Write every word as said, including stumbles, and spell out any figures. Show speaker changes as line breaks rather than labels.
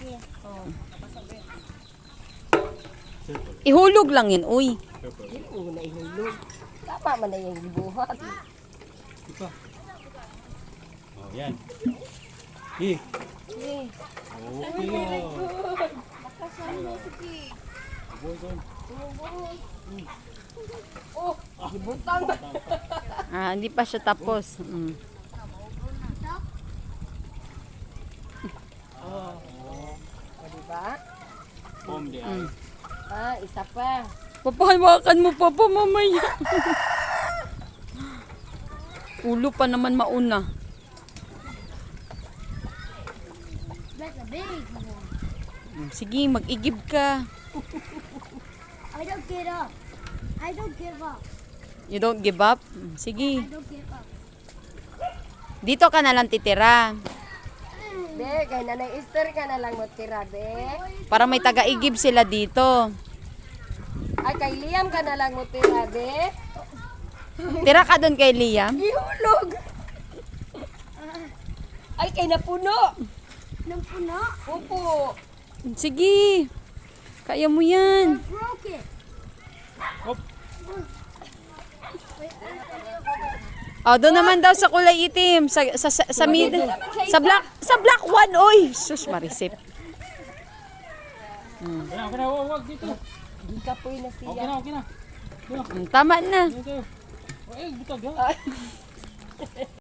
Ihulog lang yun, uy.
Hindi ko na ihulog. Tama man na yung gibuhat.
Ito. Oh, yan. Eh.
Eh,
Okay. Oh.
Nakasan mo sige.
Boy, boy.
Oh, gibutang.
Ah, hindi pa siya tapos. Mm.
Oh, o diba?
Home di
Mm.
Ah, isa pa.
Papahawakan mo pa pa mamaya. Ulo pa naman mauna.
That's a big one.
Mm, sige, mag-igib ka.
I don't get up. I don't give up.
You don't give up? Mm, sige.
I don't give up.
Dito ka na lang titira.
Be, kay nanay Esther ka na lang mo tira, be.
Para may taga-igib sila dito.
Ay, kay Liam ka na lang mo tira, be.
Tira ka doon kay Liam.
Gihulog. Ay, kay napuno.
Nang puno,
Upo.
Sige. Kaya mo yan.
broke it.
Oh, doon naman daw sa kulay itim, sa sa sa, sa mid, sa black, sa black one, oy. Sus, marisip.
Okay na, okay na. Huwag, huwag dito.
Gikapoy na
Okay
siya.
na, okay na.
Mm, tama na.
Dito. Oh, eh, butag ha.